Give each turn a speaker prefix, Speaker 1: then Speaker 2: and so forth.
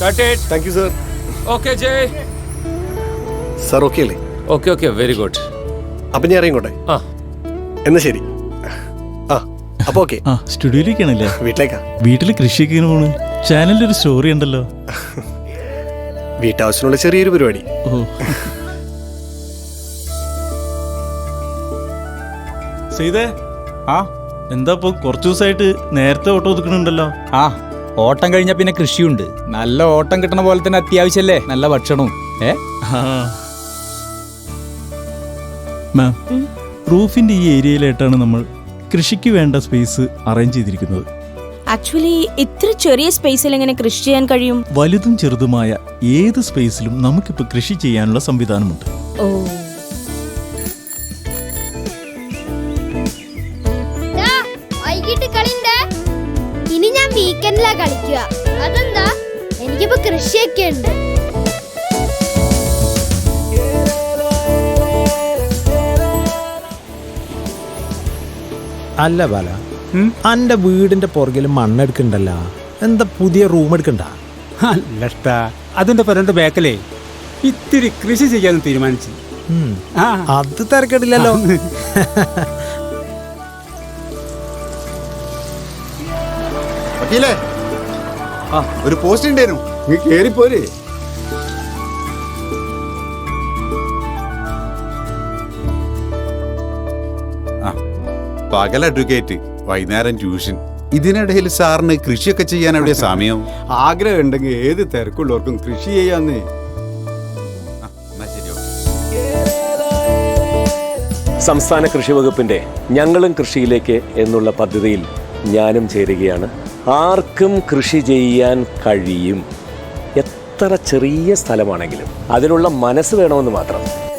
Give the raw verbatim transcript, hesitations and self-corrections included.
Speaker 1: Cut it.
Speaker 2: Thank you sir.
Speaker 1: Okay, Jay.
Speaker 2: Sir okay അല്ലേ?
Speaker 1: Okay, okay, very good.
Speaker 2: അപ്പം ഞാൻ ഇറങ്ങിക്കോട്ടെ?
Speaker 1: ആ
Speaker 2: എന്നാ ശരി. ആ അപ്പോൾ ഓക്കെ.
Speaker 3: ആ സ്റ്റുഡിയോയിലേക്കാണല്ലേ?
Speaker 2: വീട്ടിലേക്കാ.
Speaker 3: വീട്ടിൽ കൃഷിയൊക്കെ ഇങ്ങനെ പോണ്. ചാനലിൽ ഒരു സ്റ്റോറി ഉണ്ടല്ലോ.
Speaker 2: വീട്ടാവശ്യത്തിനുള്ള ചെറിയൊരു പരിപാടി.
Speaker 3: ഓ ചെയ്തേ.
Speaker 4: ആ
Speaker 3: എന്താ ഇപ്പൊ കുറച്ചു ദിവസമായിട്ട് നേരത്തെ ഓട്ടോ ഒതുക്കണുണ്ടല്ലോ?
Speaker 4: ആ ഓട്ടം കഴിഞ്ഞാൽ പിന്നെ കൃഷിയുണ്ട്. നല്ല ഓട്ടം കിട്ടണ പോലെ തന്നെ അത്യാവശ്യമല്ലേ നല്ല ഭക്ഷണവും. ഏ
Speaker 3: മാം, റൂഫിന്റെ ഈ ഏരിയയിലായിട്ടാണ് നമ്മൾ കൃഷിക്ക് വേണ്ട സ്പേസ് അറേഞ്ച് ചെയ്തിരിക്കുന്നത്.
Speaker 5: ആക്ച്വലി ഇത്ര ചെറിയ സ്പേസിൽ എങ്ങനെ കൃഷി ചെയ്യാൻ കഴിയും?
Speaker 3: വലുതും ചെറുതുമായ ഏത് സ്പേസിലും നമുക്കിപ്പോൾ കൃഷി ചെയ്യാനുള്ള സംവിധാനമുണ്ട്.
Speaker 5: ഓ
Speaker 6: വൈകിട്ട് കളിണ്ടേ? ഇനി ഞാൻ വീക്കെൻഡിലാ കളിക്കുക. അതെന്താ? എനിക്കിപ്പോ കൃഷിയൊക്കെ ഉണ്ട്.
Speaker 7: അല്ല ബാല, അന്റെ വീടിന്റെ പുറകിൽ മണ്ണെടുക്കണ്ടല്ലോ, എന്താ പുതിയ റൂം എടുക്കണ്ട?
Speaker 8: അല്ലട്ടാ, അതിന്റെ പരന്റെ ബാക്കലേ ഇത്തിരി കൃഷി ചെയ്യാന്ന് തീരുമാനിച്ചു.
Speaker 7: അത് തിരക്കിടില്ലല്ലോ.
Speaker 9: ഒരു പോസ്റ്റ് ഉണ്ടായിരുന്നു, നീ കേറിപ്പോരെ. പകൽ അഡ്വക്കേറ്റ്, വൈകുന്നേരം ട്യൂഷൻ. ഇതിനിടയിൽ സാറിന് കൃഷിയൊക്കെ ചെയ്യാൻ എവിടെ സമയം?
Speaker 8: ആഗ്രഹം ഉണ്ടെങ്കിൽ ഏത് തിരക്കുള്ളവർക്കും കൃഷി ചെയ്യാന്നേ.
Speaker 10: സംസ്ഥാന കൃഷി വകുപ്പിന്റെ ഞങ്ങളും കൃഷിയിലേക്ക് എന്നുള്ള പദ്ധതിയിൽ ഞാനും ചേരുകയാണ്. ആർക്കും കൃഷി ചെയ്യാൻ കഴിയും, എത്ര ചെറിയ സ്ഥലമാണെങ്കിലും അതിനുള്ള മനസ്സ് വേണമെന്ന് മാത്രം.